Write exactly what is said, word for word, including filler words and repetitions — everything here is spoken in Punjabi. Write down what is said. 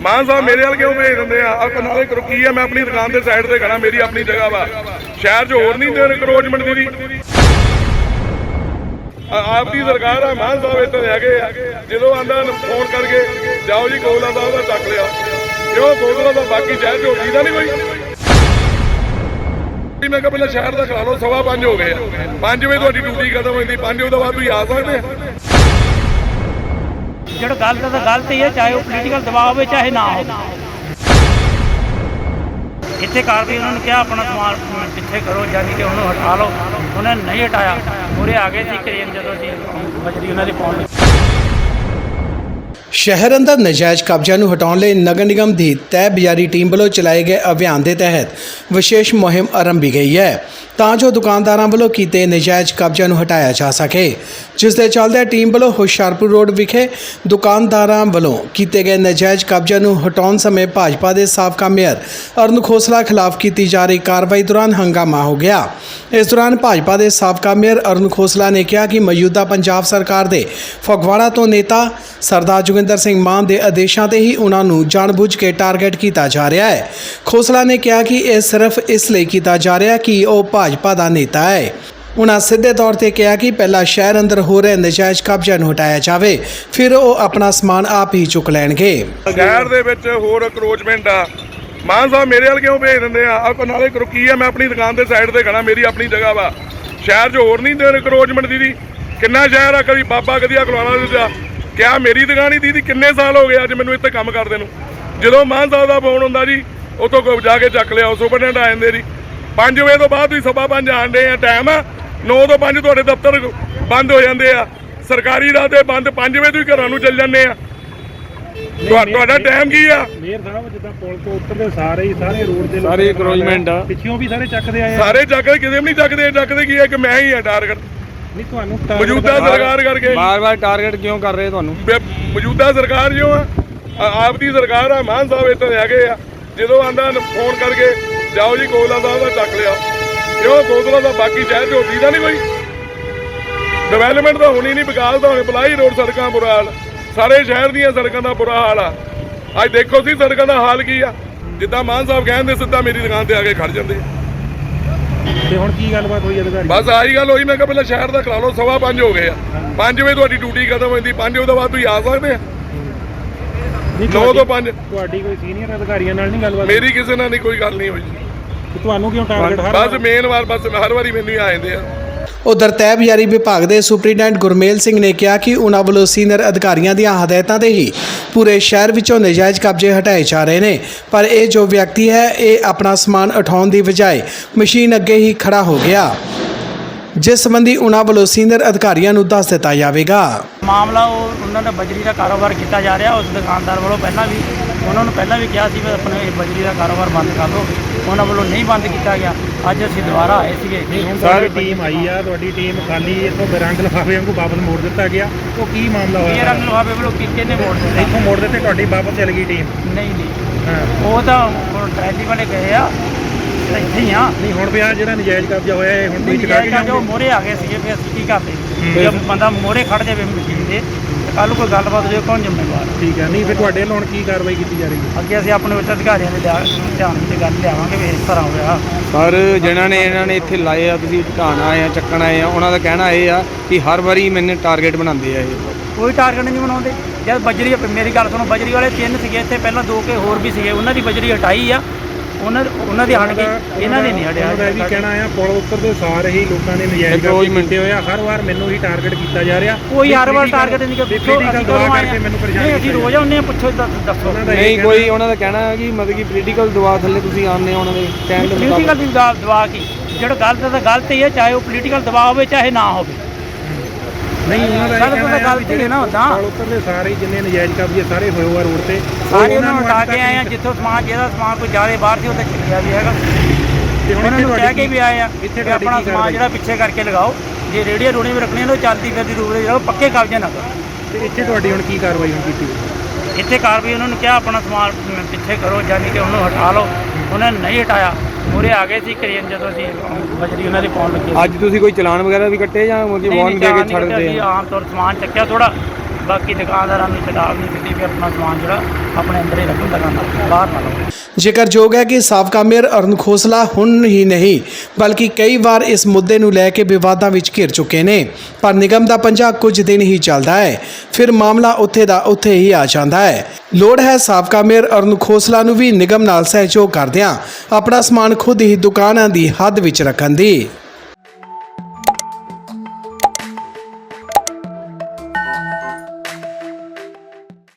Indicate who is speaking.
Speaker 1: मान साहब मेरे वाल क्यों भेज देंगे आ नाले रुकी है मैं अपनी दुकान के साइड से खड़ा मेरी अपनी जगह वा शहर च होर नहीं दे इंक्रोचमेंट दी आपकी सरकार है मान साहब इतने है जो आंदा फोन करके जाओ जी कोला साहब का चक लिया क्यों कोला तो बाकी शहर च होती नहीं कोई मैं पहले शहर का करा लो सवा पांच हो गए पांच बजे थोड़ी ड्यूटी खत्म होती पांच बजे तो बाद तुम आ सकते
Speaker 2: जो गलत तो गलत ही है चाहे वो पोलीटिकल दबाव हो चाहे ना हो इतने कार्रवाई उन्होंने क्या अपना समान पिछे करो यानी कि उन्होंने हटा लो उन्होंने नहीं हटाया पूरे आ गए थे क्रेन जो बजरी उन्होंने पाउंड
Speaker 3: शहर अंदर नजायज़ कब्जा ਨੂੰ ਹਟਾਉਣ ਲਈ ਨਗਰ ਨਿਗਮ ਦੀ ਤੈਅ ਬਜ਼ਾਰੀ ਟੀਮ ਵੱਲੋਂ ਚਲਾਏ ਗਏ ਅਭਿਆਨ ਦੇ ਤਹਿਤ ਵਿਸ਼ੇਸ਼ ਮੁਹਿੰਮ ਆਰੰਭੀ ਗਈ ਹੈ ਤਾਂ ਜੋ ਦੁਕਾਨਦਾਰਾਂ ਵੱਲੋਂ ਕੀਤੇ ਨਜਾਇਜ਼ ਕਬਜ਼ਿਆਂ ਨੂੰ ਹਟਾਇਆ ਜਾ ਸਕੇ ਜਿਸ ਦੇ ਚੱਲਦੇ ਟੀਮ ਵੱਲੋਂ ਹੁਸ਼ਿਆਰਪੁਰ ਰੋਡ ਵਿਖੇ ਦੁਕਾਨਦਾਰਾਂ ਵੱਲੋਂ ਕੀਤੇ ਗਏ ਨਜਾਇਜ਼ ਕਬਜ਼ਿਆਂ ਨੂੰ ਹਟਾਉਣ ਸਮੇਂ ਭਾਜਪਾ ਦੇ ਸਾਬਕਾ ਮੇਅਰ ਅਰੁਣ ਖੋਸਲਾ ਖਿਲਾਫ ਕੀਤੀ ਜਾ ਰਹੀ ਕਾਰਵਾਈ ਦੌਰਾਨ ਹੰਗਾਮਾ ਹੋ ਗਿਆ। ਇਸ ਦੌਰਾਨ ਭਾਜਪਾ ਦੇ ਸਾਬਕਾ ਮੇਅਰ ਅਰੁਣ ਖੋਸਲਾ ਨੇ ਕਿਹਾ ਕਿ ਮੌਜੂਦਾ ਪੰਜਾਬ ਸਰਕਾਰ ਦੇ ਫਗਵਾੜਾ ਤੋਂ ਨੇਤਾ ਸਰਦਾਰ ਜੋਗਿੰਦਰ ਸਿੰਘ ਮਾਨ ਦੇ ਆਦੇਸ਼ਾਂ ਤੇ ਹੀ ਉਹਨਾਂ ਨੂੰ ਜਾਣਬੁੱਝ ਕੇ ਟਾਰਗੇਟ ਕੀਤਾ ਜਾ ਰਿਹਾ ਹੈ। ਖੋਸਲਾ ਨੇ ਕਿਹਾ ਕਿ ਇਹ ਸਿਰਫ ਇਸ ਲਈ ਕੀਤਾ ਜਾ ਰਿਹਾ ਕਿ ਉਹ ਭਾਜਪਾ ਦਾ ਨੇਤਾ ਹੈ। ਉਹਨਾਂ ਸਿੱਧੇ ਤੌਰ ਤੇ ਕਿਹਾ ਕਿ ਪਹਿਲਾਂ ਸ਼ਹਿਰ ਅੰਦਰ ਹੋ ਰਹੇ ਨਜਾਇਜ਼ ਕਬਜ਼ਿਆਂ ਨੂੰ ਹਟਾਇਆ ਜਾਵੇ ਫਿਰ ਉਹ ਆਪਣਾ ਸਮਾਨ ਆਪ ਹੀ ਚੁੱਕ ਲੈਣਗੇ।
Speaker 1: ਸ਼ਹਿਰ ਦੇ ਵਿੱਚ ਹੋਰ ਅਕਰੋਚਮੈਂਟ ਆ ਮਾਨ ਸਾਹਿਬ ਮੇਰੇ ਵਾਲ ਕਿਉਂ ਭੇਜ ਦਿੰਦੇ ਆ ਆ ਨਾਲੇ ਰੁਕੀ ਹੈ ਮੈਂ ਆਪਣੀ ਦੁਕਾਨ ਦੇ ਸਾਈਡ ਤੇ ਖੜਾ ਮੇਰੀ ਆਪਣੀ ਜਗ੍ਹਾ ਵਾ ਸ਼ਹਿਰ 'ਚ ਹੋਰ ਨਹੀਂ ਦੇ ਅਕਰੋਚਮੈਂਟ ਦੀਦੀ ਕਿੰਨਾ ਸ਼ਹਿਰ ਆ ਕਦੀ ਬਾਬਾ ਕਦੀ ਅਕਲਾਣਾ ਦਿੱਤਾ ਕਿਆ ਮੇਰੀ ਦੁਕਾਨ ਹੀ ਦੀਦੀ ਕਿੰਨੇ ਸਾਲ ਹੋ ਗਏ ਅੱਜ ਮੈਨੂੰ ਇੱਥੇ ਕੰਮ ਕਰਦੇ ਨੂੰ ਜਦੋਂ ਮਾਨ ਸਾਹਿਬ ਦਾ ਫੋਨ ਹੁੰਦਾ ਜੀ ਉੱਥੋਂ ਜਾ ਕੇ ਚੱਕ ਲਿਆ ਸੁਪਰਡੈਂਟ ਆ ਜਾਂਦੇ ਜੀ ਪੰਜ ਵਜੇ ਤੋਂ ਬਾਅਦ ਵੀ ਸਵਾ ਪੰਜ ਆਉਂਦੇ ਆ ਟਾਈਮ ਆ ਨੌ ਤੋਂ ਪੰਜ ਤੁਹਾਡੇ ਦਫ਼ਤਰ ਬੰਦ ਹੋ ਜਾਂਦੇ ਆ ਸਰਕਾਰੀ ਰਾਹ ਤੇ ਬੰਦ ਪੰਜ ਵਜੇ ਤੁਸੀਂ ਘਰਾਂ ਨੂੰ ਚੱਲ ਜਾਂਦੇ ਆ ਤੁਹਾਡਾ ਟਾਈਮ ਕੀ ਆ
Speaker 4: ਮੇਅਰ ਸਾਹਿਬ ਜਿੱਦਾਂ ਪੁਲ ਤੋਂ ਉੱਤਰਦੇ ਸਾਰੇ ਹੀ ਸਾਰੇ ਰੋਡ ਦੇ
Speaker 5: ਸਾਰੇ ਇਨਕਰੋਚਮੈਂਟ ਆ
Speaker 4: ਪਿੱਛੋਂ ਵੀ ਸਾਰੇ ਚੱਕਦੇ ਆਏ
Speaker 1: ਸਾਰੇ ਚੱਕਦੇ ਕਿਸੇ ਵੀ ਨਹੀਂ ਚੱਕਦੇ ਚੱਕਦੇ ਕੀ ਹੈ ਕਿ ਮੈਂ ਹੀ ਆ ਟਾਰਗੇਟ
Speaker 4: ਨਹੀਂ ਤੁਹਾਨੂੰ
Speaker 1: ਮੌਜੂਦਾ ਸਰਕਾਰ ਕਰਕੇ
Speaker 5: ਬਾਰ-ਬਾਰ ਟਾਰਗੇਟ ਕਿਉਂ ਕਰ ਰਹੇ ਤੁਹਾਨੂੰ
Speaker 1: ਮੌਜੂਦਾ ਸਰਕਾਰ ਜੋ ਆ ਆਪ ਦੀ ਸਰਕਾਰ ਆ ਮਾਨ ਸਾਹਿਬ ਇੱਥੇ ਹੈਗੇ ਆ ਜਦੋਂ ਆਂਦਾ ਫੋਨ ਕਰਕੇ ਜਾਓ ਜੀ ਕੋਲਾ ਸਾਹਿਬ ਦਾ ਚੱਕ ਲਿਆ ਕਿਉਂ ਕੋਲਾ ਦਾ ਬਾਕੀ ਸ਼ਹਿਰ ਚ ਹੋਦੀ ਦਾ ਨਹੀਂ ਕੋਈ ਡਿਵੈਲਪਮੈਂਟ ਤਾਂ ਹੋਣੀ ਨਹੀਂ ਵਿਕਾਸ ਤਾਂ ਹੋਣੀ ਬਲਾਈ ਰੋਡ ਸੜਕਾਂ ਬੁਰਾ ਹਾਲ ਸਾਰੇ ਸ਼ਹਿਰ ਦੀਆਂ ਸੜਕਾਂ ਦਾ ਬੁਰਾ ਹਾਲ ਆ ਅੱਜ ਦੇਖੋ ਸੀ ਸੜਕਾਂ ਦਾ ਹਾਲ ਕੀ ਆ ਜਿੱਦਾਂ ਮਾਨ ਸਾਹਿਬ ਕਹਿੰਦੇ ਸਿੱਧਾ ਮੇਰੀ ਦੁਕਾਨ ਤੇ ਆ ਕੇ ਖੜ ਜਾਂਦੇ
Speaker 4: ਤੇ ਹੁਣ ਕੀ ਗੱਲਬਾਤ ਹੋਈ ਅਧਿਕਾਰੀ
Speaker 1: ਬਸ ਆਹੀ ਗੱਲ ਹੋਈ ਮੈਂ ਕਿਹਾ ਪਹਿਲਾਂ ਸ਼ਹਿਰ ਦਾ ਕਰਾ ਲਓ ਸਵਾ ਪੰਜ ਹੋ ਗਏ ਆ ਪੰਜ ਵਜੇ ਤੁਹਾਡੀ ਡਿਊਟੀ ਖਤਮ ਹੋ ਜਾਂਦੀ ਪੰਜ ਵਜੇ ਤੋਂ ਬਾਅਦ ਤੁਸੀਂ ਆ ਸਕਦੇ ਆ ਨੌ ਤੋਂ ਪੰਜ
Speaker 4: ਤੁਹਾਡੀ ਕੋਈ ਸੀਨੀਅਰ ਅਧਿਕਾਰੀਆਂ ਨਾਲ ਨਹੀਂ ਗੱਲਬਾਤ
Speaker 1: ਮੇਰੀ ਕਿਸੇ ਨਾਲ ਨਹੀਂ ਕੋਈ ਗੱਲ ਨਹੀਂ ਹੋਈ
Speaker 4: ਤੁਹਾਨੂੰ ਕਿਉਂ ਟਾਰਗੇਟ ਹਰ
Speaker 1: ਬਸ ਮੇਨ ਵਾਰ ਬਸ ਹਰ ਵਾਰੀ ਮੈਨੂੰ ਹੀ ਆ ਜਾਂਦੇ ਆ।
Speaker 3: ਉਧਰ ਤੈਅ ਬਜ਼ਾਰੀ ਵਿਭਾਗ ਦੇ ਸੁਪਰੀਡੈਂਟ ਗੁਰਮੇਲ ਸਿੰਘ ਨੇ ਕਿਹਾ ਕਿ ਉਹਨਾਂ ਵੱਲੋਂ ਸੀਨੀਅਰ ਅਧਿਕਾਰੀਆਂ ਦੀਆਂ ਹਦਾਇਤਾਂ ਤੇ ਹੀ ਪੂਰੇ ਸ਼ਹਿਰ ਵਿੱਚੋਂ ਨਜਾਇਜ਼ ਕਬਜ਼ੇ ਹਟਾਏ ਜਾ ਰਹੇ ਨੇ ਪਰ ਇਹ ਜੋ ਵਿਅਕਤੀ ਹੈ ਇਹ ਆਪਣਾ ਸਮਾਨ ਉਠਾਉਣ ਦੀ ਬਜਾਏ ਮਸ਼ੀਨ ਅੱਗੇ ਹੀ ਖੜਾ ਹੋ ਗਿਆ ਜਿਸ ਸੰਬੰਧੀ ਉਹਨਾਂ ਵੱਲੋਂ ਸੀਨੀਅਰ ਅਧਿਕਾਰੀਆਂ ਨੂੰ ਦੱਸ ਦਿੱਤਾ ਜਾਵੇਗਾ।
Speaker 2: ਮਾਮਲਾ ਉਹ ਉਹਨਾਂ ਦਾ ਬਜਰੀ ਦਾ ਕਾਰੋਬਾਰ ਕੀਤਾ ਜਾ ਰਿਹਾ ਉਸ ਦੁਕਾਨਦਾਰ ਵੱਲੋਂ ਪਹਿਲਾਂ ਵੀ ਉਹਨਾਂ ਨੂੰ ਪਹਿਲਾਂ ਵੀ ਕਿਹਾ ਸੀ ਵੀ ਆਪਣੇ ਬਜਰੀ ਦਾ ਕਾਰੋਬਾਰ ਬੰਦ ਕਰ ਦਿਓ ਉਹਨਾਂ ਵੱਲੋਂ ਨਹੀਂ ਬੰਦ ਕੀਤਾ ਗਿਆ ਅੱਜ ਅਸੀਂ ਦੁਬਾਰਾ ਆਏ ਸੀਗੇ
Speaker 4: ਸਾਰੀ ਟੀਮ ਆਈ ਆ ਤੁਹਾਡੀ ਟੀਮ ਖਾਲੀ ਇੱਥੋਂ ਰੰਗ ਲਿਫਾਫੇ ਵਾਂਗੂ ਵਾਪਸ ਮੋੜ ਦਿੱਤਾ ਗਿਆ ਉਹ ਕੀ ਮਾਮਲਾ ਹੋਇਆ
Speaker 2: ਇਹ ਰੰਗ ਲਿਫਾਫੇ ਵੱਲੋਂ ਕਿੱਕੇ ਨੇ ਮੋੜ ਦਿੱਤਾ
Speaker 4: ਇੱਥੋਂ ਮੋੜ ਦਿੱਤੇ ਤੁਹਾਡੀ ਵਾਪਸ ਚਲ ਗਈ ਟੀਮ
Speaker 2: ਨਹੀਂ ਨਹੀਂ ਉਹ ਤਾਂ ਟ੍ਰੈਲੀ ਵਾਲੇ ਗਏ ਆ ਇੱਥੇ ਹੀ ਆ
Speaker 4: ਨਹੀਂ ਹੁਣ ਵੀ ਆ ਜਿਹੜਾ ਨਜਾਇਜ਼ ਕਬਜ਼ਾ ਹੋਇਆ ਇਹ ਹੁਣ ਵੀ ਚੁਕਾ ਕੇ
Speaker 2: ਜੋ ਮੋਰੇ ਆ ਗਏ ਸੀਗੇ ਫਿਰ ਅਸੀਂ ਕੀ ਕਰਦੇ ਜੇ ਬੰਦਾ ਮੋਰੇ ਖੜ ਜਾਵੇ ਮਸ਼ੀਨ ਦੇ ਕੱਲ ਨੂੰ ਕੋਈ ਗੱਲਬਾਤ ਹੋਵੇ ਕੌਣ ਜ਼ਿੰਮੇਵਾਰ
Speaker 4: ਠੀਕ ਹੈ ਨਹੀਂ ਫਿਰ ਤੁਹਾਡੇ ਵੱਲੋਂ ਹੁਣ ਕੀ ਕਾਰਵਾਈ ਕੀਤੀ ਜਾ ਰਹੀ ਹੈ
Speaker 2: ਅੱਗੇ ਅਸੀਂ ਆਪਣੇ ਉੱਚ ਅਧਿਕਾਰੀਆਂ ਦੇ ਧਿਆਨ ਵਿੱਚ ਗੱਲ ਲਿਆਵਾਂਗੇ ਵੀ ਇਸ ਤਰ੍ਹਾਂ ਹੋਇਆ
Speaker 5: ਸਰ ਜਿਹਨਾਂ ਨੇ ਇਹਨਾਂ ਨੇ ਇੱਥੇ ਲਾਏ ਆ ਤੁਸੀਂ ਢਾਣ ਆਏ ਆ ਚੱਕਣ ਆਏ ਆ ਉਹਨਾਂ ਦਾ ਕਹਿਣਾ ਇਹ ਆ ਕਿ ਹਰ ਵਾਰੀ ਮੈਨੂੰ ਟਾਰਗੇਟ ਬਣਾਉਂਦੇ ਆ ਇਹ
Speaker 2: ਕੋਈ ਟਾਰਗੇਟ ਨਹੀਂ ਬਣਾਉਂਦੇ ਜਦ ਬਜਰੀ ਮੇਰੀ ਗੱਲ ਸੁਣੋ ਬਜਰੀ ਵਾਲੇ ਤਿੰਨ ਸੀਗੇ ਇੱਥੇ ਪਹਿਲਾਂ ਦੋ ਕੇ ਹੋਰ ਵੀ ਸੀਗੇ ਉਹਨਾਂ ਦੀ ਬਜਰੀ ਹਟਾਈ ਆ ਉਹਨਾਂ ਉਹਨਾਂ ਦੀ ਹਟ ਗਈ ਇਹਨਾਂ ਦੀ ਨਹੀਂ ਹਟਿਆ
Speaker 4: ਉਹਦਾ ਇਹ ਵੀ ਕਹਿਣਾ ਆ ਪੁਲ ਉੱਤਰ ਦੇ ਸਾਰੇ ਹੀ ਲੋਕਾਂ ਨੇ ਨਜਾਇਜ਼ ਕਬਜ਼ੇ ਕੀਤੇ ਹੋਇਆ ਹਰ ਵਾਰ ਮੈਨੂੰ ਹੀ ਟਾਰਗੇਟ ਕੀਤਾ ਜਾ ਰਿਹਾ
Speaker 2: ਕੋਈ ਹਰ ਵਾਰ ਟਾਰਗੇਟ ਨਹੀਂ ਕਿ ਪੁੱਛੋ ਅਸੀਂ ਕਦੋਂ ਆਏ
Speaker 4: ਮੈਨੂੰ ਪਰੇਸ਼ਾਨ
Speaker 2: ਨਹੀਂ ਅਸੀਂ ਰੋਜ਼ ਆਉਂਦੇ ਆ ਪੁੱਛੋ ਦੱਸੋ
Speaker 5: ਨਹੀਂ ਕੋਈ ਉਹਨਾਂ ਦਾ ਕਹਿਣਾ ਹੈ ਕਿ ਮਤਲਬ ਕਿ ਪੋਲੀਟੀਕਲ ਦਬਾਅ ਥੱਲੇ ਤੁਸੀਂ ਆਉਂਦੇ ਉਹਨਾਂ ਦੇ ਕਹਿਣ ਦੇ
Speaker 2: ਪੋਲੀਟੀਕਲ ਦੀ ਦਬਾਅ ਕੀ ਜਿਹੜਾ ਗਲਤ ਤਾਂ ਗਲਤ ਹੀ ਹੈ ਚਾਹੇ ਉਹ ਪੋਲੀਟੀਕਲ ਦਬਾਅ ਹੋਵੇ ਚਾਹੇ ਨਾ ਹੋਵੇ
Speaker 4: ਨਹੀਂ ਉਹਨਾਂ ਦਾ
Speaker 2: ਗੱਲ ਤਾਂ ਗਲਤ ਹੀ ਹੈ ਨਾ ਉਦਾਂ
Speaker 4: ਪੁਲ ਉੱਤਰ ਦੇ ਸਾਰੇ ਜਿੰਨੇ ਨਜਾਇਜ਼ ਕਬਜ਼ੇ ਸਾਰੇ ਹੋਏ ਹੋਏ ਰੋਡ ਤੇ
Speaker 2: ਸਾਰੇ ਉਹਨਾਂ ਨੂੰ ਹਟਾ ਕੇ ਆਏ ਆ ਜਿੱਥੋਂ ਸਮਾਨ ਜਿਹਦਾ ਸਮਾਨ ਕੋਈ ਜ਼ਿਆਦਾ ਬਾਹਰ ਸੀ ਉਹਦਾ ਚੱਕਿਆ ਵੀ ਹੈਗਾ
Speaker 4: ਤੇ ਹੁਣ
Speaker 2: ਉਹਨਾਂ ਨੂੰ ਕਹਿ ਕੇ ਵੀ ਆਏ ਆ
Speaker 4: ਇੱਥੇ
Speaker 2: ਆਪਣਾ ਸਮਾਨ ਜਿਹੜਾ ਪਿੱਛੇ ਕਰਕੇ ਲਗਾਓ ਜੇ ਰੇੜੀਆਂ ਰੂੜੀਆਂ ਵੀ ਰੱਖਣੀਆਂ ਨੇ ਉਹ ਚੱਲਦੀ ਫਿਰਦੀ ਰੂਪ ਦੇ ਪੱਕੇ ਕਬਜ਼ੇ ਨਾ ਕਰੋ
Speaker 4: ਤੇ ਇੱਥੇ ਤੁਹਾਡੀ ਹੁਣ ਕੀ ਕਾਰਵਾਈ ਹੁਣ ਕੀਤੀ
Speaker 2: ਇੱਥੇ ਕਾਰਵਾਈ ਉਹਨਾਂ ਨੂੰ ਕਿਹਾ ਆਪਣਾ ਸਮਾਨ ਪਿੱਛੇ ਕਰੋ ਯਾਨੀ ਕਿ ਉਹਨੂੰ ਹਟਾ ਲਓ ਉਹਨਾਂ ਨੇ ਨਹੀਂ ਹਟਾਇਆ ਮੂਹਰੇ ਆ ਗਏ ਸੀ ਕਰੇਨ ਜਦੋਂ ਅਸੀਂ ਬਜਰੀ ਉਹਨਾਂ ਦੇ ਪਾਉਣ ਲੱਗੇ
Speaker 5: ਅੱਜ ਤੁਸੀਂ ਕੋਈ ਚਲਾਨ ਵਗੈਰਾ ਵੀ ਕੱਟੇ ਜਾਂ ਮੁਰਗੀ ਵਾਰਨ ਦੇ ਕੇ ਛੱਡ ਦਿੱਤੇ
Speaker 2: ਆ ਆਮ ਤੌਰ ਸਮਾਨ ਚੱਕਿਆ ਥੋੜਾ ਬਾਕੀ ਦੁਕਾਨਦਾਰਾਂ ਨੂੰ ਚੇਤਾਵਨੀ ਦਿੱਤੀ ਵੀ ਆਪਣਾ ਸਮਾਨ ਜਿਹੜਾ ਆਪਣੇ ਅੰਦਰ ਹੀ ਰੱਖੋ, ਦੁਕਾਨਾਂ ਬਾਹਰ ਨਾ ਲਾਓ।
Speaker 3: ਜ਼ਿਕਰਯੋਗ ਹੈ ਕਿ ਸਾਬਕਾ ਮੇਅਰ ਅਰੁਣ ਖੋਸਲਾ ਹੁਣ ਹੀ ਨਹੀਂ ਬਲਕਿ ਕਈ ਵਾਰ ਇਸ ਮੁੱਦੇ ਨੂੰ ਲੈ ਕੇ ਵਿਵਾਦਾਂ ਵਿੱਚ ਘਿਰ ਚੁੱਕੇ ਨੇ, ਪਰ ਨਿਗਮ ਦਾ ਪੰਜਾ ਕੁਝ ਦਿਨ ਹੀ ਚੱਲਦਾ ਹੈ, ਫਿਰ ਮਾਮਲਾ ਉੱਥੇ ਦਾ ਉੱਥੇ ਹੀ ਆ ਜਾਂਦਾ ਹੈ। ਲੋੜ ਹੈ ਸਾਬਕਾ ਮੇਅਰ ਅਰੁਣ ਖੋਸਲਾ ਨੂੰ ਵੀ ਨਿਗਮ ਨਾਲ ਸਹਿਯੋਗ ਕਰਦਿਆਂ ਆਪਣਾ ਸਮਾਨ ਖੁਦ ਹੀ ਦੁਕਾਨਾਂ ਦੀ ਹੱਦ ਵਿੱਚ ਰੱਖਣ ਦੀ।